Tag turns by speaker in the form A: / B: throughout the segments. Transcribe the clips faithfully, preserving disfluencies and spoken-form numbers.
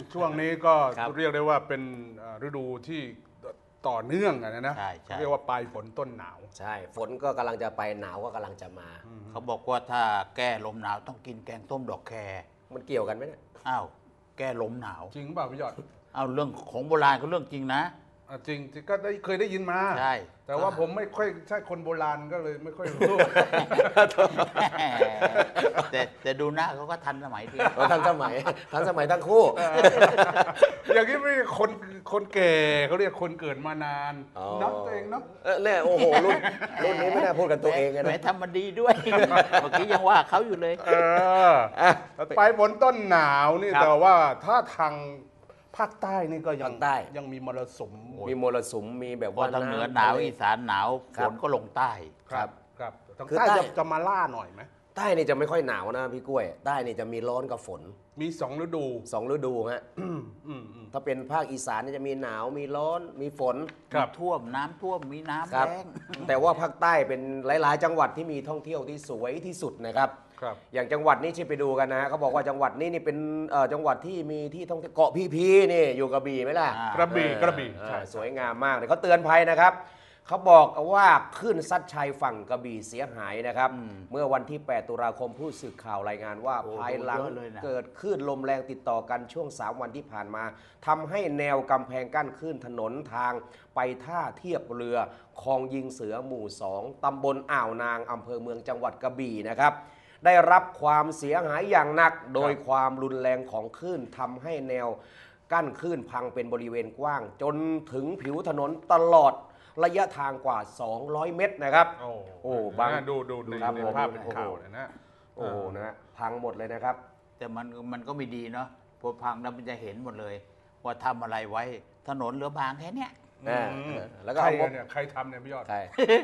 A: ช่วงนี้ก็เรียกได้ว่าเป็นฤดูที่ต่อเนื่องนะนะเรียกว่าปลายฝนต้นหนาว
B: ใช่ฝนก็กำลังจะไปหนาวก็กำลังจะมา
C: เขาบอกว่าถ้าแก้ลมหนาวต้องกินแกงต้มดอกแค
B: มันเกี่ยวกันไหมเนี่ย
C: อ้าวแก้ลมหนาว
A: จริงเปล่าพี่ยอด
C: เอาเรื่องของโบราณก็เรื่องจริงนะ
A: จริงก็ได้เคยได้ยินมา
C: ใช่
A: แต่ว่าผมไม่ค่อยใช่คนโบราณก็เลยไม่ค่อยรู้
C: แต่แต่ดูหน้าเขาก็ทันสมัยดี
B: ทันสมัยทันสมัยทั้งคู่
A: อย่างนี้ไม่คนคนแก่เขาเรียกคนเกิดมานานนับตัวเองนับ
B: เนี่ยโอ้โหรุ่นรุ่นนี้ไม่ได้พูดกันตัวเอง
C: นะแหมทำมันดีด้วยเมื่อกี้ยังว่าเขาอยู่เลย
A: เออไปบนต้นหนาวนี่แต่ว่าถ้าทางภาคใต้นี่ก็ยังยังมีมรสุม
B: มีมรสุมมีแบบว่า
C: ทางเหนือหนาวอีสานหนาวฝนก็ลงใต้
A: ครับครับทางใต้จะมาล่าหน่อยไหม
B: ใต้นี่จะไม่ค่อยหนาวนะพี่กล้วยใต้นี่จะมีร้อนกับฝน
A: มีสองฤดู
B: สองฤดูฮะถ้าเป็นภาคอีสานนี่จะมีหนาวมีร้อนมีฝน
C: ท่วมน้ำท่วมมีน้ำแล้ง
B: แต่ว่าภาคใต้เป็นหลายๆจังหวัดที่มีท่องเที่ยวที่สวยที่สุดนะครับอย่างจังหวัดนี้ที่ไปดูกันนะเขาบอกว่าจังหวัดนี้นี่เป็นจังหวัดที่มีที่ท่องเที่ยวเกาะพีพีนี่อยู่กระบี่ไหมล่ะ
A: กระบี่กระบี่
B: สวยงามมากเลยเขาเตือนภัยนะครับเขาบอกว่าคลื่นซัดชายฝั่งกระบี่เสียหายนะครับเมื่อวันที่แปดตุลาคมผู้สื่อข่าวรายงานว่าภายหลังเกิดคลื่นลมแรงติดต่อกันช่วงสามวันที่ผ่านมาทำให้แนวกำแพงกั้นคลื่นถนนทางไปท่าเทียบเรือคลองยิงเสือหมู่สองตำบลอ่าวนางอำเภอเมืองจังหวัดกระบี่นะครับได้รับความเสียหายอย่างหนักโดยความรุนแรงของคลื่นทำให้แนวกั้นคลื่นพังเป็นบริเวณกว้างจนถึงผิวถนนตลอดระยะทางกว่าสองร้อยเมตรนะครับ
A: โอ้
B: โอ้บาง
A: ดูดูในภาพเป็นข่าวเลยนะ
B: โอ้นะพังหมดเลยนะครับ
C: แต่มันมันก็ไม่ดีเนาะพอพังแล้วมันจะเห็นหมดเลยว่าทำอะไรไว้ถนนเหลือบางแค่เนี้ย
A: แล้วก็ใครเนี่ยใครทำเนี่ยพี่ยอด
B: ใคร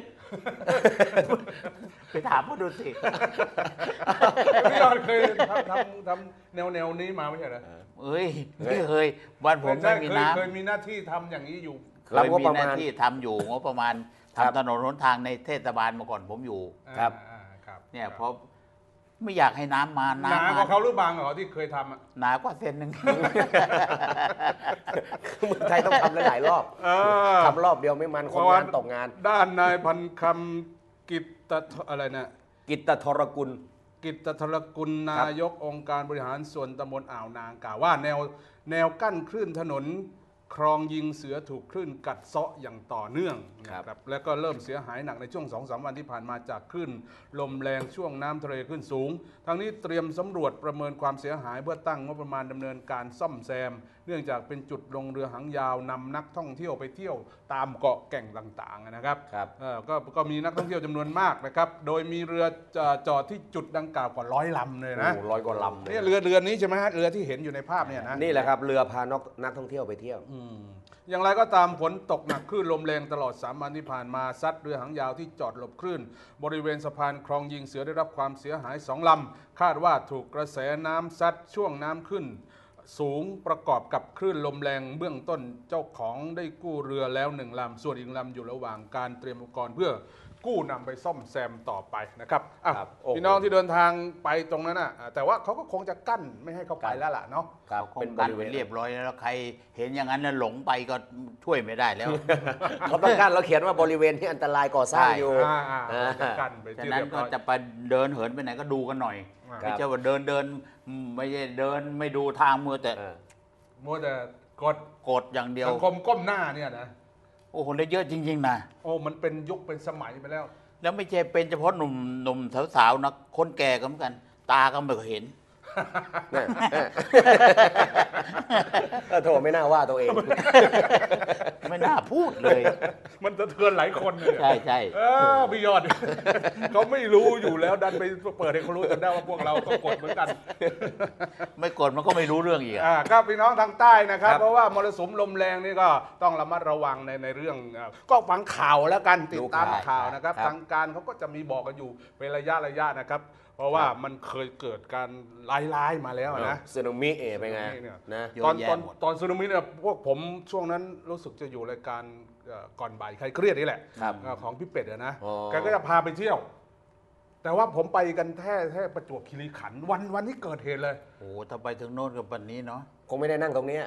C: ไปถามเขาดูสิ
A: พี่ยอดเคยทำทำทำแนวแนวนี้มาไม่ใช่เหรอ
C: เอ้ยไม่เคยบ้านผมไม่มีน้ำ
A: เคยมีหน้าที่ทำอย่างนี้อยู่
C: เคยมีหน้าที่ทำอยู่งบประมาณทำถนนหนทางในเทศบาลมาก่อนผมอยู่
B: ครับ
C: เนี่ยเพราะไม่อยากให้น้ำมา
A: น้ำหนากว่าเขาหรือบางเหรอที่เคยทำอ่ะ
C: หนากว่าเซนหนึ่ง
B: เมืองไทยต้องทำหลายรอบทำรอบเดียวไม่มันคนงานตกงาน
A: ด้านนายพันคำกิตตอะไรนะ
B: กิตตทรกุล
A: กิตตทรกุลนายกองค์การบริหารส่วนตำบลอ่าวนางกล่าวว่าแนวแนวกั้นคลื่นถนนคลองยิงเสือถูกคลื่นกัดเซาะอย่างต่อเนื่องนะครับแล้วก็เริ่มเสียหายหนักในช่วง สองถึงสาม วันที่ผ่านมาจากคลื่นลมแรงช่วงน้ำทะเลขึ้นสูงทางนี้เตรียมสำรวจประเมินความเสียหายเพื่อตั้งงบประมาณดำเนินการซ่อมแซมเนื่องจากเป็นจุดลงเรือหางยาวนำนักท่องเที่ยวไปเที่ยวตามเกาะแก่งต่างๆนะครับก็ก็มีนักท่องเที่ยวจำนวนมากนะครับโดยมีเรือจอดที่จุดดังกล่าวกว่าร้อยลำเลยนะ
B: ร้อยกว่าลำ
A: นี่เรือเรือนี้ใช่ไหมฮะเรือที่เห็นอยู่ในภาพเนี่ยนะ
B: นี่แหละครับเรือพานักท่องเที่ยวไปเที่ยว
A: อย่างไรก็ตามฝนตกหนักคลื่นลมแรงตลอดสามวันที่ผ่านมาซัดเรือหางยาวที่จอดหลบคลื่นบริเวณสะพานคลองยิงเสือได้รับความเสียหายสองลำคาดว่าถูกกระแสน้ำซัดช่วงน้ำขึ้นสูงประกอบกับคลื่นลมแรงเบื้องต้นเจ้าของได้กู้เรือแล้วหนึ่งลำส่วนอีกลำอยู่ระหว่างการเตรียมอุปกรณ์เพื่อกู้นำไปซ่อมแซมต่อไปนะครับพี่น้องที่เดินทางไปตรงนั้นนะแต่ว่าเขาก็คงจะกั้นไม่ให้เขาไปแล้วล่ะเนาะ
C: เป็นกั้นไปเรียบร้อยแล้วใครเห็นอย่างนั้นแล้วหลงไปก็ช่วยไม่ได้แล้ว
B: เขาต้องกั้นเราเขียนว่าบริเวณที่อันตรายก่อสร้างอยู่
A: กั้นไป
C: ฉะนั้นก็จะไปเดินเหินไปไหนก็ดูกันหน่อยไม่ใช่ว่าเดินเดินไม่ใช่เดินไม่ดูทางมัวแต่
A: มัวแต่กด
C: กดอย่างเดียว
A: สังคมก้มหน้าเนี่ยนะ
C: โอ้โหได้เยอะจริงๆนะ
A: โอ้มันเป็นยุคเป็นสมัยไปแล้ว
C: แล้วไม่ใช่เป็นเฉพาะหนุ่มหนุ่มสาวๆนะคนแก่ก็เหมือนกันตาก็ไม่เห็น
B: โถไม่น่าว่าตัวเอง
C: ไม่น่าพูดเลย
A: มันจะเทือนหลายคนเลย
C: ใช่ใช่
A: พี่ยอดเขาไม่รู้อยู่แล้วดันไปเปิดให้เขารู้กันได้ว่าพวกเราก็กดเหมือนกัน
C: ไม่กดมันก็ไม่รู้เรื่องอีก
A: อ่าครับพี่น้องทางใต้นะครับเพราะว่ามรสุมลมแรงนี่ก็ต้องระมัดระวังในในเรื่องก็ฟังข่าวแล้วกันติดตามข่าวนะครับทางการเขาก็จะมีบอกกันอยู่เป็นระยะระยะนะครับเพราะว่ามันเคยเกิดการร้ายๆมาแล้วนะ
B: สึนามิเอเป็นไง
A: นะตอนตอนตอนสึนามิเนี่ยพวกผมช่วงนั้นรู้สึกจะอยู่รายการก่อนบ่ายใครเครียดนี่แหละของพี่เป็ดนะแกก็จะพาไปเที่ยวแต่ว่าผมไปกันแค่แค่ประจวบคีรีขันธ์วันวันที่เกิดเหตุเลย
C: โอ้ถ้าไปถึงโน่นกับวันนี้เนาะ
B: คงไม่ได้นั่งตรงเนี้ย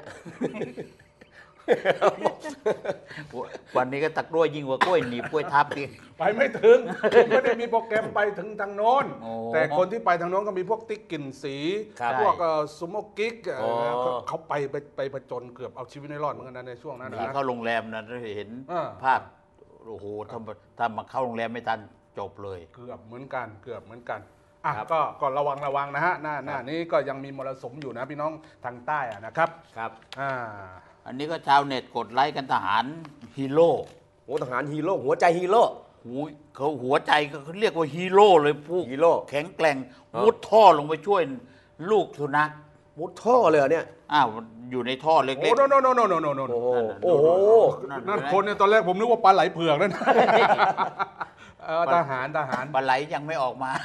C: วันนี้ก็ตะกล้วยยิ่งกว่ากล้วยหนีบกล้วยทับดิ
A: ไปไม่ถึง ผมไม่ได้มีโปรแกรมไปถึงทางโน้น
C: โอ้
A: แต่คนที่ไปทางโน้นก็มีพวกติ๊กกลิ่นสี
B: ครับ
A: พวกซูโม่กิ๊กเอ่อ
B: อ๋อ
A: เขาเขาไปไปไปผจญเกือบเอาชีวิตในรอดเหมือนกันนะในช่วงนั้น
C: หนี
A: นะ
C: เข้าโรงแรมนะเราเห็น
A: อ่า
C: ภาพโอ้โหถ้าถ้ามาเข้าโรงแรมไม่ทันจบเลย
A: เกือบเหมือนกันเกือบเหมือนกันอ่ะ
B: ครับ
A: ก็ก็ระวังระวังนะฮะหน้าหน้านี้ก็ยังมีมรสุมอยู่นะพี่น้องทางใต้อะนะครับ
B: ครับ
A: อ่า
C: อันนี้ก็ชาวเน็ตกดไลค์กันทหารฮีโร่
B: โอ้ทหารฮีโร่หัวใจฮีโร่
C: หูเขาหัวใจก็เขาเรียกว่าฮีโร่เลยผู้
B: ฮีโร่
C: แข็งแกร่ง
B: อ๋อ
C: มุดท่อลงไปช่วยลูกสุนัข
B: มุดท่อเลยเหรอเนี่ย
C: อ้าวอยู่ในท่อเล็ก
A: โอ้โนโนโนโนโนโนโน
B: โอ้โห
C: นั่นน่ะ
B: โอ้โห
C: ๆ
A: นั่นคนเนี่ยตอนแรกผมนึกว่าปลาไหลเผือกนั่น เออทหารทหาร
C: ปลาไหลยังไม่ออกมา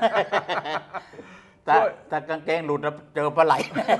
C: แต่
A: ช่วย
C: แต่กางเกงหลุดแล้วเจอปลาไหล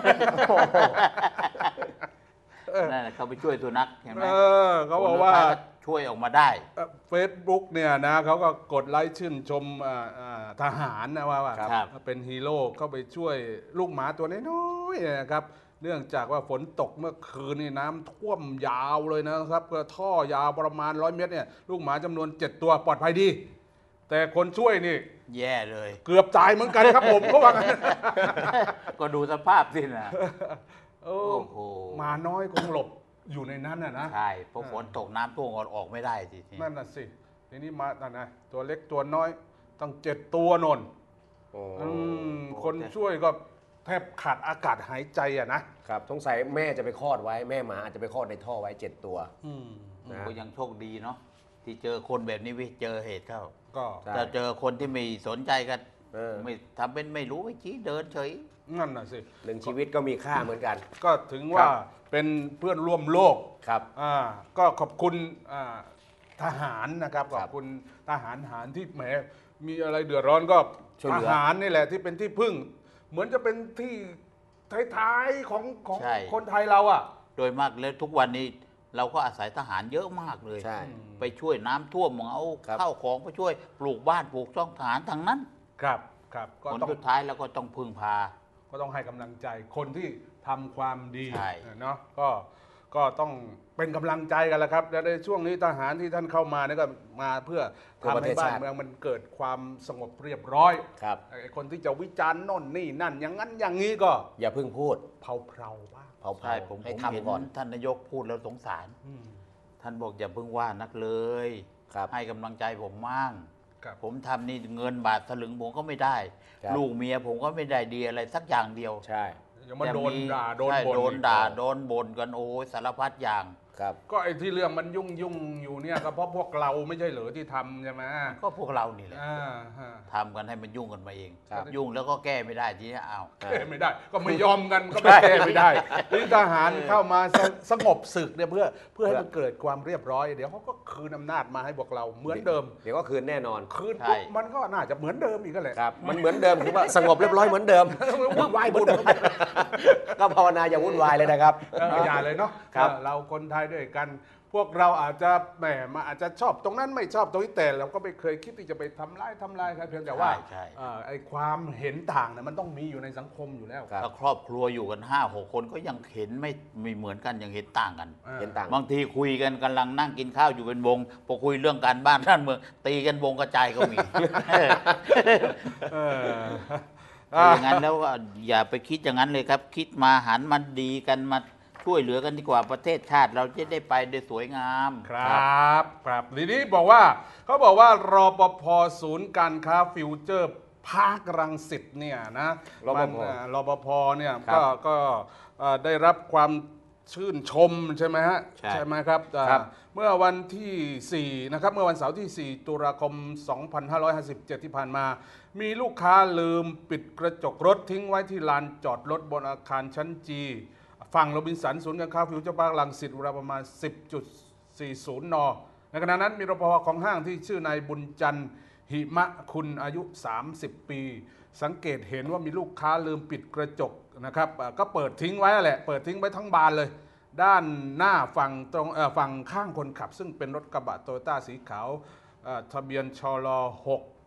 C: นั่นแหละเขาไปช่วยสุนัขเห็นไหม
A: เออเขาบอกว่า
C: คนสุดท้ยช่วยออกมาได้
A: เฟซบุ๊กเนี่ยนะเขาก็กดไลค์ชื่นชมอ่าอ่าทหารนะว่าว่า
C: ครับ
A: เป็นฮีโร่เข้าไปช่วยลูกหมาตัวน้อยๆนะครับ เนื่องจากว่าฝนตกเมื่อคืนนี่น้ำท่วมยาวเลยนะครับก็ท่อยาวประมาณร้อยเมตรเนี่ยลูกหมาจำนวนเจ็ดตัวปลอดภัยดี แต่คนช่วยนี่
C: แย่เลย
A: เกือบตายเหมือนกันครับผมเขาว่างั้น
C: ก็ดูสภาพสินะ
A: เอ
C: โอ้
A: อ
C: โห
A: หมาน้อยคงหลบอยู่ในนั้นน่ะนะ
C: ใช่เพราะฝนตกน้ำท่วมออกไม่ได้สิที
A: นั่นน่ะสิทีนี้มานั่นนะตัวเล็กตัวน้อยตั้งเจ็ดตัวนน
B: โอ้
A: อืมคนช่วยก็แทบขาดอากาศหายใจอะนะครับ
B: สงสัยแม่จะไปคลอดไว้แม่หมาอาจจะไปคลอดในท่อไว้เจ็ดตัว
A: อืม
B: นะ
C: ก็ยังโชคดีเนาะที่เจอคนแบบนี้วิเจอเหตุเข้า
A: ก็
B: ใช่
C: แต่เจอคนที่ไม่สนใจกัน
B: เออ
C: ไม่ทำเป็นไม่รู้ไม่ชี้เดินเฉย
A: นั่นน่ะสิ
B: หนึ่งชีวิตก็มีค่าเหมือนกัน
A: ก็ถึงว่าเป็นเพื่อนร่วมโลก
B: ครับ
A: อ่าก็ขอบคุณอ่าทหารนะครับ
B: ค
A: ข
B: รั
A: อ
B: บบ
A: คุณทหารทหารที่แหมมีอะไรเดือดร้อนก็
B: ช่วย
A: ท
B: เหลือ
A: หารนี่แหละที่เป็นที่พึ่ง เหมือนจะเป็นที่ท้ายๆของของ
C: ใช่
A: คนไทยเราอ่ะ
C: โดยมากแล้วทุกวันนี้เราก็อาศัยทหารเยอะมากเลย
B: ใช่
C: ไปช่วยน้ำท่วมเอา
B: ครับ
C: ข้าวของไปช่วยปลูกบ้านปลูกช่องทหารทางนั้น
A: ครับครับก็
C: ผล
A: ต้อง
C: สุดท้ายเราก็ต้องพึ่งพา
A: ก็ต้องให้กำลังใจคนที่ทำความดี
C: ใช่
A: เนาะก็ก็ต้องเป็นกำลังใจกันแหละครับและในช่วงนี้ทหารที่ท่านเข้ามาเนี่ยก็มาเพื่อ
B: เพื่อป
A: ทำ
B: ระเท
A: ให้
B: ศ
A: บ้าน
B: ชาติ
A: เมืองมันเกิดความสงบเรียบร้อย
B: ครับ
A: ไอ้คนที่จะวิจารณ์โน่นนี่นั่น อย่างนั้นอย่างนี้ก็
B: อย่าเพิ่งพูด
A: เผาเผาๆบ้าง
B: เผา
C: ใช่
B: ๆ
C: ผม
B: ให้
C: ผมเห็น
B: ทำก่อน
C: ท่านนายกพูดแล้วสงสาร
A: อืม
C: ท่านบอกอย่าเพิ่งว่านักเลย
B: ครับ
C: ให้กำลังใจผมมั่ง
A: ครับ
C: ผมทำนี่เงินบาทสลึงผมก็ไม่ได้
B: ครับ
C: ลูกเมียผมก็ไม่ได้ดีอะไรสักอย่างเดียว
B: ใช่
A: อย่ามาโดน
C: แต่
A: ด่าโดน
C: ใช่
A: บ่น
C: โดน
A: อีก
C: ด่าโดนบ่นกันโอ้ยสารพัดอย่าง
B: ครับ
A: ก็ไอ้ที่เรื่องมันยุ่งยุ่งๆอยู่เนี่ยก็เพราะพวกเราไม่ใช่เหรอที่ทำใช่ไหม
C: ก็พวกเรานี่แหละ
A: อ่าฮะ
C: ทำกันให้มันยุ่งกันมาเอง
B: ครับ
C: ยุ่งแล้วก็แก้ไม่ได้ทีนี้อ้าว
A: แก้ไม่ได้ ก็ไม่ยอมกันก็ไม่แก้ไม่ได้นี่ทหารเข้ามาสสงบศึกเนี่ยเพื่อเพื่อให้มันเกิดความเรียบร้อย เดี๋ยวเขาก็คืนอำนาจมาให้พวกเราเหมือนเดิม
B: เดี๋ยวก็คืนแน่นอน
A: คืน
C: ใช่
A: ปุ๊บมันก็น่าจะเหมือนเดิมอีกก็แหละ
B: ครับ มันเหมือนเดิมคือว่าสงบเรียบร้อยเหมือนเดิม
A: วุ่นวายบุญ
B: ก็ภาวนาอย่าวุ่นวายเลยนะครับ
A: อย่าเลยเนาะ
B: ครับ
A: เออเราคนไทยด้วยกัน พวกเราอาจจะแหมมาอาจจะชอบตรงนั้นไม่ชอบตรงนี้แต่เราก็ไม่เคยคิดที่จะไปทำร้ายทำลายใครเพียงแต่ว่า
C: ใช่ใช่
A: เอ่อไอ้ความเห็นต่างเนี่ยมันต้องมีอยู่ในสังคมอยู่แล้ว
B: ครับ
C: ถ้าครอบครัวอยู่กันห้าหกคนก็ยังเห็นไม่ไม่เหมือนกันยังเห็นต่างกัน
A: อ่า
B: เห็นต่าง
C: บางทีคุยกันกำลังนั่งกินข้าวอยู่เป็นวงพอคุยเรื่องการบ้านท่านเมืองตีกันวงกระจายก็มี
A: เออ
C: ถ้าอย่างนั้นแล้วก็อย่าไปคิดอย่างนั้นเลยครับ คิดมาหันมาดีกันมาช่วยเหลือกันดีกว่าประเทศชาติเราจะได้ไปได้สวยงาม
A: ครับครับทีนี้บอกว่าเขาบอกว่ารปภศูนย์การค้าฟิวเจอร์ภาครังสิตเนี่ยนะ
B: รปภ
A: มันอ่ารปภเนี่ย
B: ครับ
A: ก็ก็เอ่อได้รับความชื่นชมใช่ไหมฮะ
C: ใช่
A: ไหมครับอ่า
B: ครับ
A: เมื่อวันที่สี่นะครับเมื่อวันเสาร์ที่สี่ตุลาคมสองพันห้าร้อยห้าสิบเจ็ดที่ผ่านมา มีลูกค้าลืมปิดกระจกรถทิ้งไว้ที่ลานจอดรถบนอาคารชั้นจีฝั่งโรบินสันศูนย์การค้าฟิวเจอร์พาร์ครังสิตเวลาประมาณ สิบจุดสี่ศูนย์ น ในขณะนั้นมีรปภของห้างที่ชื่อนายบุญจันทร์หิมะคุณอายุ สามสิบ ปี สังเกตเห็นว่ามีลูกค้าลืมปิดกระจกนะครับอ่าก็เปิดทิ้งไว้แหละ เปิดทิ้งไว้ทั้งบานเลย ด้านหน้าฝั่งตรงเอ่อฝั่งข้างคนขับ ซึ่งเป็นรถกระบะโตโยต้าสีขาวเอ่อทะเบียนชลหก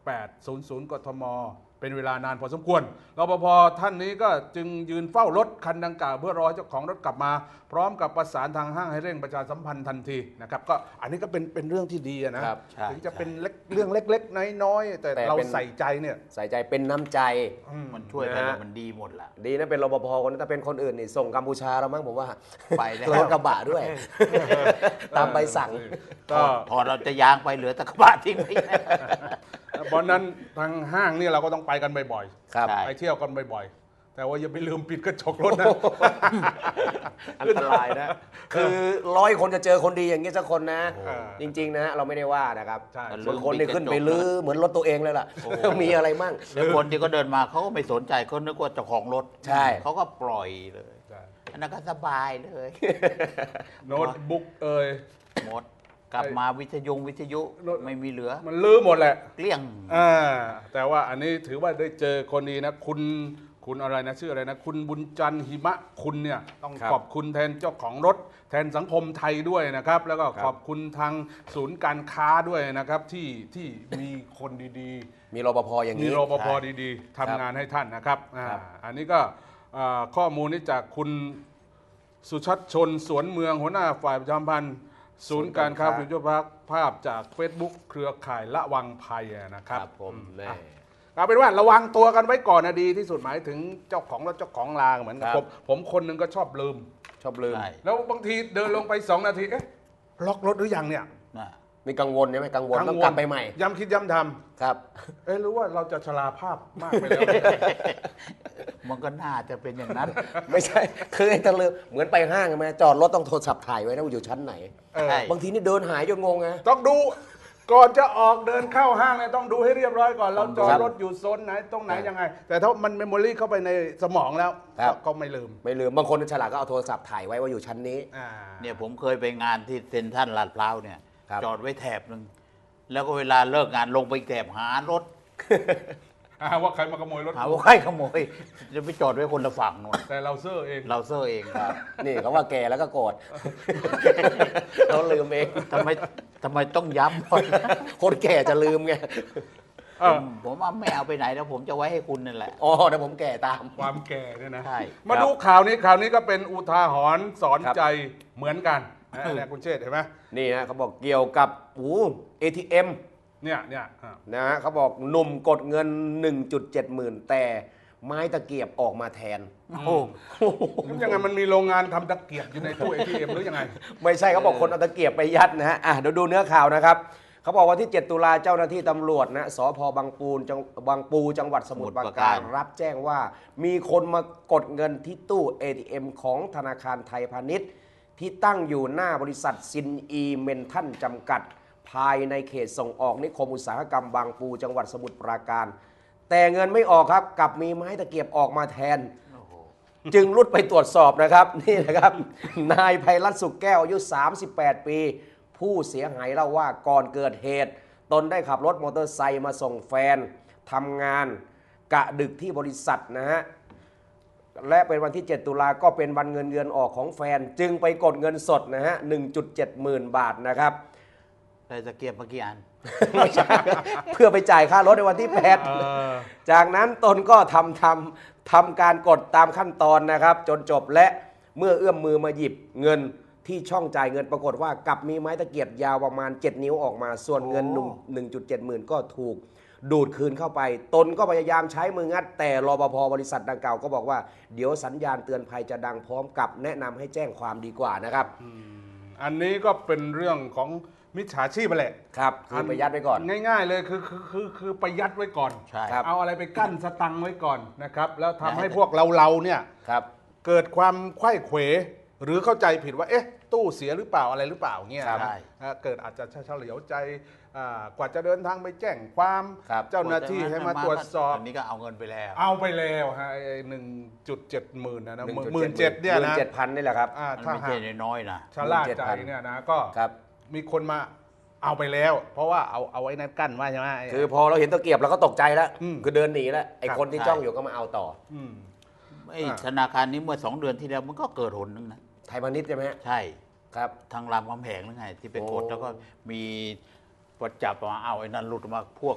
A: แปดศูนย์ศูนย์ กทมเป็นเวลานานพอสมควรรปภท่านนี้ก็จึงยืนเฝ้ารถคันดังกล่าวเพื่อรอเจ้าของรถกลับมา พร้อมกับประสานทางห้างให้เร่งประชาสัมพันธ์ทันทีนะครับก็อันนี้ก็เป็นเป็นเรื่องที่ดีนะครับ
C: ใช่
A: ถึงจะ
C: ใช่
A: เป็นเล็กเรื่องเล็กๆน้อยๆแต่
B: แต่
A: เรา
B: เป็น
A: ใส่ใจเนี่ย
B: ใส่ใจเป็นน้ำใจ
A: อืม
C: มันช่วยกัน
B: นะ
C: แล้วมันดีหมดละ
B: ดีนะเป็นรปภคนนั้นถ้าเป็นคนอื่นนี่ส่งกัมพูชาแล้วมั้งผมว่า
C: ไปแล้ว
B: รถกระบะด้วย ตามใบสั่ง
A: ก็
C: พอเราจะยางไปเหลือแตะกระบะทิ้งไว้
A: เพราะนั้นทางห้างนี่เราก็ต้องไปกันบ่อย
B: ครับ
C: ใช่
A: ๆไปเที่ยวกันบ่อยๆแต่ว่าอย่าไปลืมปิดกระจกรถนะ
B: อันตรายนะ คือร้อยคนจะเจอคนดีอย่างนี้สักคนนะ
A: โอ้
B: จริง ๆ นะ เราไม่ได้ว่านะครับ
A: ใช่
B: บางคนนี่ขึ้นไปลื้อเหมือนรถตัวเองเลยล่ะ มีอะไรมั่ง
C: แล้วคนที่เขาเดินมาเขาก็ไม่สนใจเขานึกว่าเจ้าของรถ
B: ใช่
C: เขาก็ปล่อยเลย
A: ใช่
C: อันนั้นก็สบายเลย
A: โน้ตบุ๊กเอ่ย
C: หมดกลับมาวิทยุวิทยุ
A: รถ
C: ไม่มีเหลือ
A: มันลื้อหมดแหละ
C: เกลี้ยง
A: อ่าแต่ว่าอันนี้ถือว่าได้เจอคนดีนะ คุณคุณอะไรนะชื่ออะไรนะ คุณบุญจันทร์หิมะคุณเนี่ยต้อง
B: ครับ
A: ขอบคุณแทนเจ้าของรถ แทนสังคมไทยด้วยนะครับ แล้วก็
B: ครับ
A: ขอบคุณทางศูนย์การค้าด้วยนะครับ ที่ที่มีคนดีๆ
B: มีรปภอย่าง
A: มี
B: นี้
A: รปภ
C: ใช่
A: ดีๆทำงานให้ท่านนะครับอ่า
B: ครับ
A: อันนี้ก็อ่าข้อมูลนี้จากคุณสุชัดชนสวนเมืองหัวหน้าฝ่ายประชาสัมพันธ์ศูนย์การค้าฟิวเจอร์พาร์คภาพจาก Facebook เครือข่ายละวังภัยนะค
B: ค
A: รั
B: รั
A: บบ
B: ผม
A: อื
B: แน่
A: อ่ะเอาเป็นว่าระวังตัวกันไว้ก่อนนะดีที่สุดหมายถึงเจ้าของรถเจ้าของลาเหมือนกัน
B: ครับ
A: ผมผมคนหนึงก็ชอบลืม
B: ชอบลืม
C: ใช่
A: แล้วบางทีเดินลงไปสองนาทีเอ๊ะล็อกรถหรือยังเนี่ย
C: นะ
B: มีกังวลใช่ไหมกังวลต้องกลับไปใหม่
A: ย้ำคิดย้ำท
B: ครับ
A: ำเอ๊ะหรือว่าเราจะชราภาพมากไปแล้ว
C: มันก็น่าจะเป็นอย่างนั้น
B: ไม่ใช่ คือไอ้ตะลืมเหมือนไปห้างใช่ไหมจอดรถต้องโทรศัพท์ถ่ายไว้นะว่าอยู่ชั้นไหน
A: เออ
C: ใช่
B: บางทีนี่เดินหายจนงงไง
A: ต้องดูก่อนจะออกเดินเข้าห้างเนี่ยต้องดูให้เรียบร้อยก่อนเราจอด
B: ครับ
A: รถอยู่โซนไหนตรงไหน
B: ครับ
A: ยังไง แต่ถ้ามันเมมโมรีเข้าไปในสมองแล้ว
B: ครับ
A: ก็ไม่ลืม
B: ไม่ลืมบางคนฉลาดก็เอาโทรศัพท์ถ่ายไว้ว่าอยู่ชั้นนี้
A: อ่า
C: เนี่ยผมเคยไปงานที่เซ็นทรัลลาดพร้าวเนี่ย
B: ครับ
C: จอดไว้แถบหนึ่งแล้วก็เวลาเลิกงานลงไปแถบหารถ
A: อ่าว่าใครมาขโมยรถ
C: หาว่าใครขโมยจะไปจอดไว้คนละฝั่งนู่น
A: แต่เราเซอร์เอง
C: เราเซอร์เองครับ
B: นี่เขาว่าแก่แล้วก็โกรธ เขาลืมเอง
C: ทำไมทำไมต้องย้ำก่อน
B: คนแก่จะลืมไง
A: เอ
C: ผ
A: อ
C: มผมว่าไม่เอาไปไหนแล้วผมจะไว้ให้คุณนั่นแหละ
B: อ๋อเดี๋ยวผมแก่ตาม
A: ความแก่เนี่ยนะ
C: ใช่
A: มาดูข่าวนี้ข่าวนี้ก็เป็นอุทาหรณ์สอน
B: ครับ
A: ใจเหมือนกันนะเนี่ยคุณเชษฐ์เห็นไหม
B: นี่ฮะเขาบอกเกี่ยวกับโอ้ เอ ที เอ็ม
A: เนี่ยเนี่ยอ่า
B: นะฮะเขาบอกหนุ่มกดเงิน หนึ่งจุดเจ็ด หมื่น แต่ไม้ตะเกียบออกมาแทน
C: โอ้โห
A: มันยังไงมันมีโรงงานทำตะเกียบอยู่ในตู้ เอ ที เอ็ม หรือยังไง
B: ไม่ใช่เขาบอกคนเอาตะเกียบไปยัดนะฮะอ่ะเดี๋ยวดูเนื้อข่าวนะครับเขาบอกวันที่ เจ็ด ตุลาเจ้าหน้าที่ตำรวจนะสพบางปูนจังบางปูจังหวัดสมุทรปราการรับแจ้งว่ามีคนมากดเงินที่ตู้ เอ ที เอ็ม ของธนาคารไทยพาณิชย์ ที่ตั้งอยู่หน้าบริษัทซินอีเมนทันจำกัด ภายในเขตส่งออกนิคมอุตสาหกรรมบางปูจังหวัดสมุทรปราการ แต่เงินไม่ออกครับกลับมีไม้ตะเกียบออกมาแทน จึงรุดไปตรวจสอบนะครับ นี่นะครับ นายไพรัตน์สุขแก้วอายุ สามสิบแปด ปี ผู้เสียหายเล่าว่าก่อนเกิดเหตุ ตนได้ขับรถมอเตอร์ไซค์มาส่งแฟนทำงานกะดึกที่บริษัทนะฮะ และเป็นวันที่ เจ็ด ตุลาก็เป็นวันเงินเดือนออกของแฟน จึงไปกดเงินสดนะฮะ หนึ่งจุดเจ็ด หมื่นบาทนะครับ
C: ได้ตะเกียบเมื่อกี้อัน
B: ไม่ใช่ เพื่อไปจ่ายค่ารถในวันที่แปด
A: เออ
B: จากนั้นตนก็ทำทำทำการกดตามขั้นตอนนะครับ จนจบและเมื่อเอื้อมมือมาหยิบเงินที่ช่องจ่ายเงินปรากฏว่ากลับมีไม้ตะเกียบยาวประมาณ เจ็ด นิ้วออกมา ส่วนเงิน
A: โอ้
B: หนึ่งจุดเจ็ด หมื่นก็ถูกดูดคืนเข้าไป ตนก็พยายามใช้มืองัด แต่รปภบริษัทดังกล่าวก็บอกว่าเดี๋ยวสัญญาณเตือนภัยจะดังพร้อมกับแนะนำให้แจ้งความดีกว่านะครับ
A: อันนี้ก็เป็นเรื่องของมิจฉาชีพไปแหละ
B: ครับคือไปยัดไว้ก่อน
A: ง่ายๆเลยคือคือคือคือไปยัดไว้ก่อน
C: ใช่
B: ครับ
A: เอาอะไรไปกั้นสตังค์ไว้ก่อนนะครับ แล้วทำให้พวกเราเราๆเนี่ย
B: ครับ
A: เกิดความไขว้เขวหรือเข้าใจผิดว่าเอ๊ะตู้เสียหรือเปล่าอะไรหรือเปล่าเงี้ย
B: ครับ
A: นะอ่าเกิดอาจจะเฉลียวใจอ่ากว่าจะเดินทางไปแจ้งความ
B: ครับ
A: เจ้าหน้าที่ให้มาตรวจสอบ
C: อันนี้ก็เอาเงินไปแล้ว
A: เอาไปแล้วฮะหนึ่งจุดเจ็ดหมื่นนะนะห
B: หนึ่งจุด
A: มื่นเจ็ดเนี่ยนะ
B: เจ็ดพันนี่แหละครับ
A: อ่า
C: มัน
A: ถ้า
C: ไม่
A: หา
C: ใช่
A: ก
C: น้อยๆนะ
A: ชะล่าใจ
B: เจ็ดพัน
A: เนี่ยนะก็
B: ครับ
A: มีคนมาเอาไปแล้ว เพราะว่าเอาเอาไว้นั่นกั้นไว้ใช่ไหม
B: คือพอเราเห็นตะเกียบเราก็ตกใจแล้ว
A: อืม
B: คือเดินหนีแล้วไอ้
A: ครับ
B: คนที่
C: ใช่
B: จ้องอยู่ก็มาเอาต่อ
A: อืม
C: ไอ้
A: อ่า
C: ธนาคารนี้เมื่อสองเดือนที่แล้วมันก็เกิดหนนึงนะ
B: ไทยพาณิชย์ใช่ไหมฮะ
C: ใช่
B: ครับ
C: ทางรามคำแหงหรือไงที่ไปกด
B: โอ้
C: แล้วก็มีประจับมาเอาไอ้นั่นหลุดออกมาพวกก็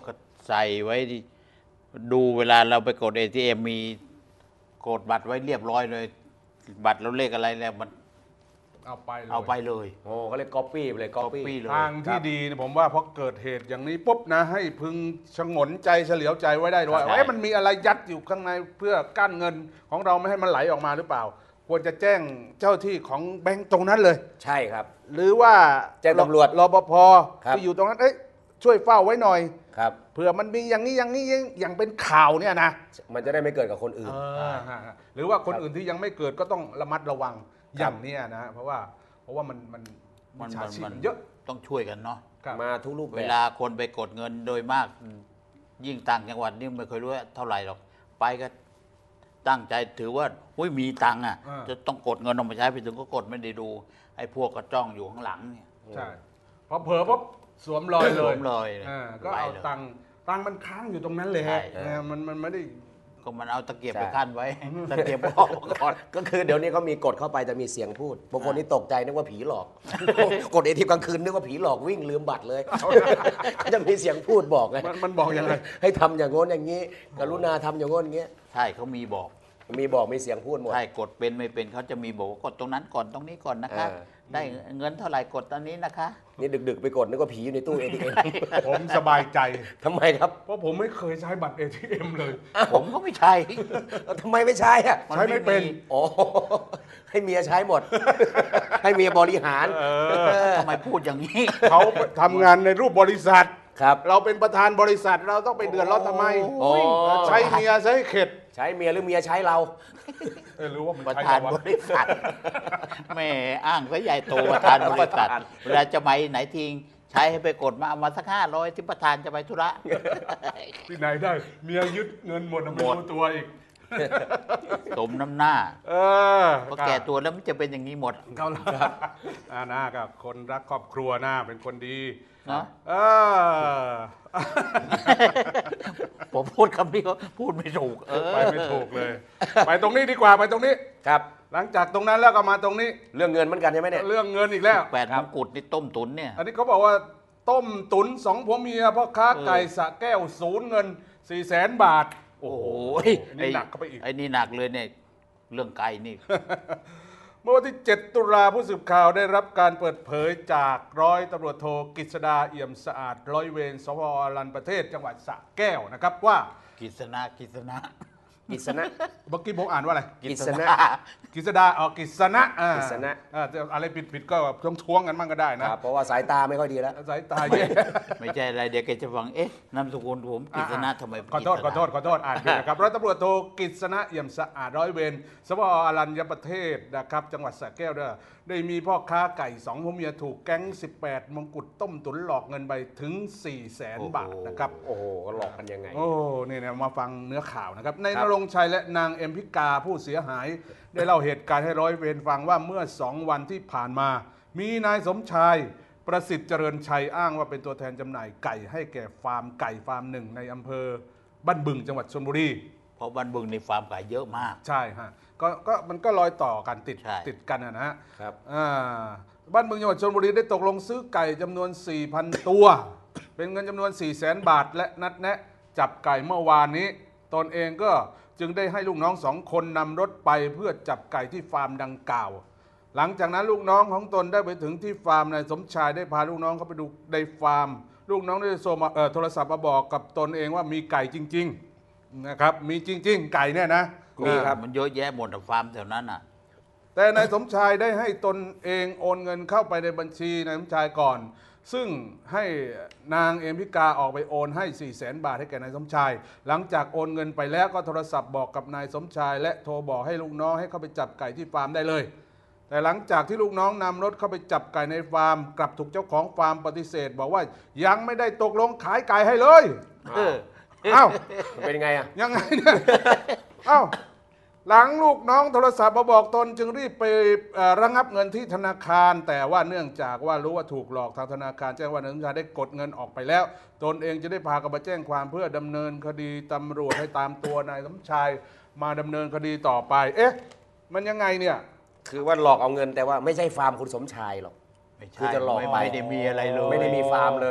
C: ใส่ไว้ที่ดูเวลาเราไปกด เอ ที เอ็ม มีกดบัตรไว้เรียบร้อยเลย บัตรเราเลขอะไรแล้วมัน
A: เอาไปเลย
C: เอาไปเลย
B: โอ้เขาเรียกก๊อปปี้ไปเลยก๊อป
C: copy
B: ปี้
C: เลย
A: ทางที่ดีเนี่ยผมว่าพอเกิดเหตุอย่างนี้ปุ๊บนะ ให้พึงชงนใจเฉลียวใจไว้ได้ด้วย
C: ครับ
A: ว่าเอ๊ะมันมีอะไรยัดอยู่ข้างในเพื่อกั้นเงินของเราไม่ให้มันไหลออกมาหรือเปล่า ควรจะแจ้งเจ้าที่ของแบงก์ตรงนั้นเลย
B: ใช่ครับ
A: หรือว่า
B: แจ้งตำรวจ
A: รปภ
B: ครับ
A: ที่อยู่ตรงนั้นเอ้ยช่วยเฝ้าไว้หน่อย
B: ครับ
A: เผื่อมันมีอย่างนี้อย่างนี้อย่างเป็นข่าวเนี่ยนะ
B: มันจะได้ไม่เกิดกับคนอื่น
A: เออฮะหรือว่าคน
B: ครับ
A: อื่นที่ยังไม่เกิดก็ต้องระมัดระวัง
B: ค
A: อ
B: รับ
A: ย่างเนี้ยนะเพราะว่าเพราะว่ามันมัน
C: มัน
A: มิจฉา
C: มัน
A: ชีพ
C: มัน
A: มันเยอะ
C: ต้องช่วยกันเนาะ
A: ครับ
B: มาทุกรูปแบ
C: เว
B: บ
C: ลาคนไปกดเงินโดยมาก ยิ่งต่างจังหวัดนี่ไม่เคยรู้ว่าเท่าไหร่หรอก ไปก็ตั้งใจถือว่าหุ้ยมีตังค์อ่ะ
A: อ่า
C: จะต้องกดเงินออกมาใช้ไปถึงก็กดไม่ได้ดู ไอ้พวกก็จ้องอยู่ข้างหลังเนี่ย
A: ใช่พอเผลอปุ๊บสวมรอยเลย
C: สวมรอยเลย
A: าก็
C: ไป
A: เอา
C: เลย
A: ตังค์ตังค์มันค้างอยู่ตรงนั้นเลย
C: ใช่
A: ฮะนะมันมันไม่ได้
C: ก็มันเอาตะเกียบ
B: ใช่
C: ไปขั้นไว้ ตะเกียบออกมาก่อน
B: ก็คือเดี๋ยวนี้เขามีกดเข้าไปจะมีเสียงพูดบางคนนี่ตกใจนึกว่าผีหลอก กดเอทีกลางคืนนึกว่าผีหลอกวิ่งลืมบัตรเลยเขาจะมีเสียงพูดบอกไง
A: มันมันบอกยังไง
B: ให้ทำอย่างโน้นอย่างนี้ กรุณาทำอย่างโน้นอย่างเงี้ย
C: ใช่เขามีบอก
B: มีบอกมีเสียงพูดหมด
C: ใช่กดเป็นไม่เป็นเขาจะมีบอกว่ากดตรงนั้นก่อนตรงนี้ก่อนนะคะ
B: เออ
C: ได้เงินเท่าไหร่กดตอนนี้นะคะ
B: นี่ดึกๆไปกดนึกว่าผีอยู่ในตู้เอทีเอ็ม
A: ผมสบายใจ
B: ทำไมครับ
A: เพราะผมไม่เคยใช้บัตร เอ ที เอ็ม เลย
C: ผมก็ไม่ใช่
B: ทำไมไม่ใช่อะ
A: ใช้ไม่เป็น
B: อ๋อให้เมียใช้หมด ให้เมียบริหาร
C: ทำไมพูดอย่างนี้
A: เขาทำงานในรูปบริษัท
B: ครับ
A: เราเป็นประธานบริษัทเราต้องไปเดือดร้อนทำไม
B: โอ้ย
A: ใช้เมียใช้เข็ด
B: ใช้เมียหรือเมียใช้เรา
A: เออรู้ว่ามัน
C: ประ
A: ใช้
C: ธาน
A: เรา
C: บ
A: วะ
C: ริษัทแม่อ้างซะใหญ่โตประธานบริษัท
B: ประธาน
C: เวลาจะไปไหนทิ้งใช้ให้ไปกดมาเอามาสักห้าร้อยที่ประธานจะไปธุระ
A: ที่ไหนได้ เมียยึดเงินหมดนะไม่
C: หมด
A: รู้ตัวอีก
C: สมน้ำหน้า
A: เออ
C: เพราะแก่ตัวแล้วมันจะเป็นอย่างนี้หมด
A: เขาละอ่านากับคนรักครอบครัวหน้าเป็นคนดี
C: เนาะ
A: เออ
C: ผมพูดคำนี้ก็พูดไม่ถูก เออ
A: ไปไม่ถูกเลย ไปตรงนี้ดีกว่าไปตรงนี้
B: ครับ
A: หลังจากตรงนั้นแล้วก็มาตรงนี้
B: เรื่องเงินเหมือนกันใช่ไหมเนี่ย
A: เรื่องเงินอีกแล้ว
C: แปดมงกุฎนี่ต้มตุ๋นเนี่ย
A: อันนี้เขาบอกว่าต้มตุนสองผัวเมียพ่อค้าไก่สระแก้วศูนย์เงินสี่แสนบาท
C: โอ้โห
A: อันนี้หนักเข้าไปอีก
C: ไอ้นี่หนักเลยเนี่ย เรื่องไก่นี่
A: เมื่อวันที่ เจ็ด ตุลาผู้สื่อข่าวได้รับการเปิดเผยจากร้อยตำรวจโทกฤษดาเอี่ยมสะอาดร้อยเวรสพอรัญประเทศจังหวัดสระแก้วนะครับว่า
C: กิษณะกิษณะ
B: กิษณะ
A: เมื่อกี้ผมอ่านว่าอะไร
B: กิษณะ
A: กฤษดาอ๋อกฤษณะอ่าก
B: ฤษณะ
A: อ่าจะอะไรผิดผิดๆก็ท้วงท้วงๆกันบ้างก็ได้
B: ค
A: นะ
B: รับเพราะว่าสายตาไม่ค่อยดีแล้ว
A: สายตาแย่
C: ไม่ใช่อะไรเดี๋ยวแกจะฟัง เอ๊ะนามสกุลผมกิษณะทำไม
A: ขอโทษขอโทษขอโทษอ่านผิดนะครับร้อยตำรวจโทกฤษณะเอี่ยมสะอาดร้อยเวรสพอรัญญประเทศนะครับจังหวัดสระแก้วเด้อได้มีพ่อค้าไก่สองผัวเมียถูกแก๊ง สิบแปด มงกุฎต้มตุ๋นหลอกเงินไปถึง สี่แสน บาทนะครับ
B: โอ้โหหลอกกันยังไง
A: โอ้นี่นะมาฟังเนื้อข่าวนะครับใน
B: คน รับ
A: รงค์ชัยและนางเอ็มพิกาผู้เสียหาย ได้เล่าเหตุการณ์ให้ร้อยเวรฟังว่าเมื่อสองวันที่ผ่านมา มีนายสมชายประสิทธิ์เจริญชัยอ้างว่าเป็นตัวแทนจำหน่ายไก่ให้แก่ฟาร์มไก่ฟาร์มหนึ่งในอำเภอบ้านบึงจังหวัดชลบุรี
C: เพราะบ้านบึงในฟาร์มไก่เยอะมาก
A: ใช่ฮะก็ก็มันก็รอยต่อกันติด
C: ใช่
A: ติดกันนะฮะ
B: ครับ
A: อ่าบ้านเมืองจังหวัดชลบุรีได้ตกลงซื้อไก่จำนวน สี่พัน ตัว เป็นเงินจำนวน สี่แสน บาท และนัดแนะจับไก่เมื่อวานนี้ ตนเองก็จึงได้ให้ลูกน้องสองคนนำรถไปเพื่อจับไก่ที่ฟาร์มดังกล่าว หลังจากนั้นลูกน้องของตนได้ไปถึงที่ฟาร์มนายสมชายได้พาลูกน้องเข้าไปดูในฟาร์ม ลูกน้องได้โทรมาเอ่อโทรศัพท์มาบอกกับตนเองว่ามีไก่จริงๆนะครับมีจริง ๆ ไก่เนี่ยนะ
B: มีครับ
C: มันเยอะแยะหมดอะฟาร์มแถวนั้นอ่ะ
A: แต่นายสมชายได้ให้ตนเองโอนเงินเข้าไปในบัญชีนายสมชายก่อน ซึ่งให้นางเอมพิกาออกไปโอนให้ สี่แสน บาทให้แก่นายสมชาย หลังจากโอนเงินไปแล้วก็โทรศัพท์บอกกับนายสมชาย และโทรบอกให้ลูกน้องให้เข้าไปจับไก่ที่ฟาร์มได้เลย แต่หลังจากที่ลูกน้องนำรถเข้าไปจับไก่ในฟาร์ม กลับถูกเจ้าของฟาร์มปฏิเสธ บอกว่ายังไม่ได้ตกลงขายไก่ให้เลย
C: เออ
A: เอ้า
B: มันเป็นไงอ่ะ
A: ยังไงเนี่ย เอ้า หลังลูกน้องโทรศัพท์มาบอกตนจึงรีบไปเอ่อระงับเงินที่ธนาคาร แต่ว่าเนื่องจากว่ารู้ว่าถูกหลอกทางธนาคารแจ้งว่านายสมชายได้กดเงินออกไปแล้ว ตนเองจะได้พากันมาแจ้งความเพื่อดำเนินคดีตำรวจให้ตามตัวนายสมชายมาดำเนินคดีต่อไป เอ๊ะ มันยังไงเนี่ย
B: คือว่าหลอกเอาเงินแต่ว่าไม่ใช่ฟาร์มคุณสมชายหรอก
C: ไม่ใช่
B: คือจะหลอก
C: ไม่
B: ไป
C: ไม่ได้มีอะไรเลย
B: ไม่ได้มีฟาร์มเลย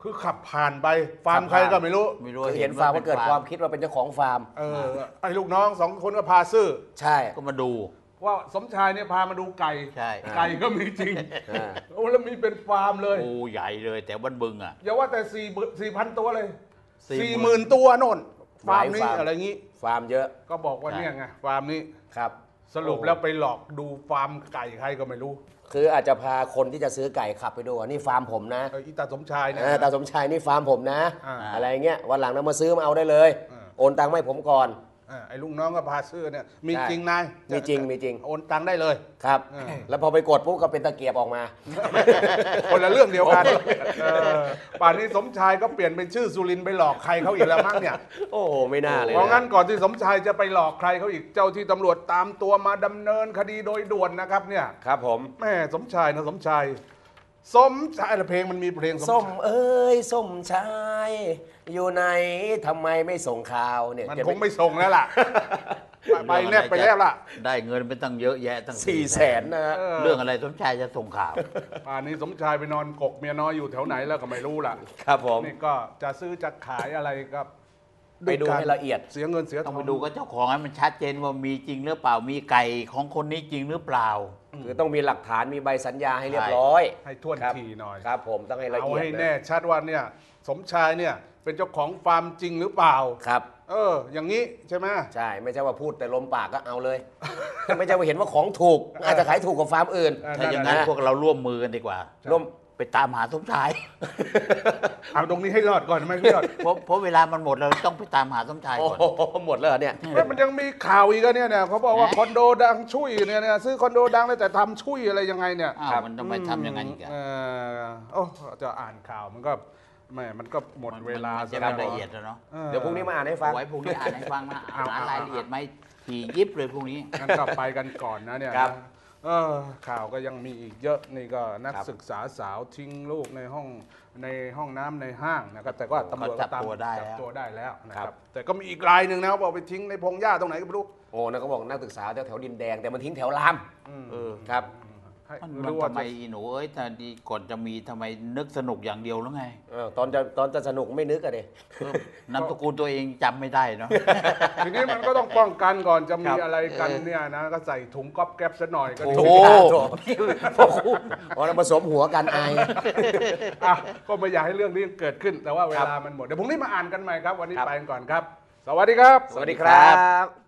A: คือขับผ่านไปฟาร์มใครก็ไม่รู้
C: ไม่รู้
B: คือเห็นฟาร์มก็เกิดความคิดว่าเป็นเจ้าของฟาร์ม
A: เออไอ้ลูกน้องสองคนก็พาซื้อ
B: ใช่
C: ก็มาดู
A: ว่าสมชายเนี่ยพามาดูไก่
C: ใช่
A: ไก่ก็มีจริง
B: อ่า
A: โอ้แล้วมีเป็นฟาร์มเลย
C: โอ้ใหญ่เลยแต่บ้านบึงอ่ะ
A: อย่าว่าแต่สี่สี่พันตัวเลย
C: สี่
A: สี่
C: ห
A: ห
C: มื่
A: มื่
C: น
A: นตัวโน่นฟาร์มนี้
B: หลายฟาร์ม
A: อะไรงี้
B: ฟาร์มเยอะ
A: ก็บอกว่า
C: ใช่
A: เนี่ยไงฟาร์มนี้
B: ครับ
A: สรุปแล้วไปหลอกดูฟาร์มไก่ใครก็ไม่รู้
B: คืออาจจะพาคนที่จะซื้อไก่ขับไปดูว่านี่ฟาร์มผมนะ
A: เอออีตาสมชายเนี่ย
B: เออตาสมชายนี่ฟาร์มผมนะ
A: อ่า
B: อะไรเงี้ยวันหลังเรามาซื้อมาเอาได้เลย
A: อ่า
B: โอนตังค์มาให้ผมก่อน
A: อ่าไอ้ลูกน้องก็พาซื้อเนี่ยมี
B: ใช่
A: จริงนาย
B: มีจริงมีจริง
A: โอนตังค์ได้เลย
B: ครับ
A: อ่า
B: แล้วพอไปกดปุ๊บก็เป็นตะเกียบออกมา
A: คนละเรื่องเดียวกันเออป่านนี้สมชายก็เปลี่ยนเป็นชื่อสุรินทร์ไปหลอกใครเขาอีกแล้วมั้งเนี่ย
B: โอ้โหไม่น่าเลย
A: เพราะงั้นก่อนที่สมชายจะไปหลอกใครเขาอีกเจ้าที่ตำรวจตามตัวมาดำเนินคดีโดยด่วนนะครับเนี่ย
B: ครับผม
A: แม่สมชายนะสมชายสมชายอะไรเพลงมันมีเพลงสม
B: ส้ม
A: ชาย
B: เอ้ยส้มชาย อยู่ไหนทำไมไม่ส่งข่าวเนี่ย
A: มัน
B: จะ
A: คงไม่ส่งแล้วล่ะ ไปแนบไปแล้วล่ะ
C: ได้เงินไปตั้งเยอะแยะตั้ง
B: สี่แสนนะฮะ
A: เออ
C: เรื่องอะไรสมชายจะส่งข่าว
A: ป่านนี้สมชายไปนอนกกเมียน้อยอยู่แถวไหนแล้วก็ไม่รู้ล่ะ
B: ครับผม
A: นี่ก็จะซื้อจะขายอะไรก็
B: ไปดูให้ละเอียด
A: เสียเงินเสียท
C: ต้
A: อ
C: อง งไปดูกับเจ้าของให้มันชัดเจนว่ามีจริงหรือเปล่ามีไก่ของคนนี้จริงหรือเปล่า
B: คือต้องมีหลักฐานมีใบสัญญาให้เรียบร้อย
A: ให้ท่วน
B: ครับ
A: ทีหน่อย
B: ครับผมต้องให้ละ
A: เอา
B: เอียด
A: ให้
B: นะ
A: แน่ชัดว่าเนี่ยสมชายเนี่ยเป็นเจ้าของฟาร์มจริงหรือเปล่า
B: ครับ
A: เออ อย่างนี้ใช่ไหม
B: ใช่ไม่ใช่ว่าพูดแต่ลมปากก็เอาเลย ไม่ใช่ว่าเห็นว่าของถูก อาจจะขายถูกกว่าฟาร์มอื่น
A: เออ
C: ถ้าอย่างนั้น
B: นะ
C: พวกเราร่วมมือกันดีกว่า
B: ร่วม
C: ไปตามหาสมชาย
A: เอาตรงนี้ให้รอดก่อนไหมพี่รอด
C: เพราะเพราะเวลามันหมดเราต้องไปตามหาสมชาย
B: โอ้
C: ก่อน
B: โหหมดแล้วเหรอเนี่ย
A: เฮ้ยมันยังมีข่าวอีกอะเนี่ยเนี่ยเขาบอกว่า
C: ฮะ
A: คอนโดดังชุยเนี่ยเนี่ยซื้อคอนโดดังเลยแต่ทำชุยอะไรยังไงเนี่ย
C: อ้าวมันทำไมทำอย่างนั้นอีกอะ
A: เออโอ้จะอ่านข่าวมันก็แม่มันก็หมดเวลา
C: มัน
A: ซะ
C: จะ
A: แล้
C: ไม่
A: ว
C: ละเอียดแล้วเนาะ
A: ออ
B: เดี๋ยวพรุ่งนี้มาอ่านให้ฟัง
C: ไว้พรุ่งนี้อ่านให้ฟังนะ
A: เอา
C: หา
A: เอา
C: รายละเอียดไหมถี่ยิบเลยพรุ่งนี้
A: งั้นก็ไปกันก่อนนะเนี่ย
B: ครับ
A: นะเออข่าวก็ยังมีอีกเยอะนี่ก็นัก
B: ครับ
A: ศึกษาสาวทิ้งลูกในห้องในห้องน้ำในห้างนะครับแต่ก็ตำรวจก็ตาม
C: จับตัวได้
A: จับ
C: แล้ว
A: ตัวได้แล้วนะค
B: ครั
A: รับบ แต่ก็มีอีกรายหนึ่งนะบอกไปทิ้งในพงหญ้าตรงไหนก็ไม่รู้
B: โอ้นะเขาบอกนักศึกษาแถวแถวดินแดงแต่มันทิ้งแถวราม
C: เออ
B: ครับ
A: ให้
C: มัน
A: รู้
C: มัน
A: ว่า
C: ทำไม
A: จะ
C: อีหนูเอ้ยแต่ดีก่อนจะมีทำไมนึกสนุกอย่างเดียวแล้วไง
B: เออตอนจะตอนจะสนุกไม่นึกอะเด็
C: เออนามสกุลตัวเองจำไม่ได้เนาะ
A: ทีนี้มันก็ต้องป้องกันก่อนจะมี
B: ครับ
A: อะไรกันเนี่ยนะก็ใส่ถุงก๊อบแก๊บซะหน่อยก็
B: โอ้
A: ดี
B: โหพวกคุณอ๋อเราผสมหัวกันไอาย
A: อ่ะก็ไม่อยากให้เรื่องนี้เกิดขึ้น แต่ว่าเว
B: ครับ
A: ลามันหมดเดี๋ยวพรุ่งนี้มาอ่านกันใหม่ครับ วันนี้
B: ครับ
A: ไปกันก่อนครับ สวัสดีครับ
B: สวัสดีครับ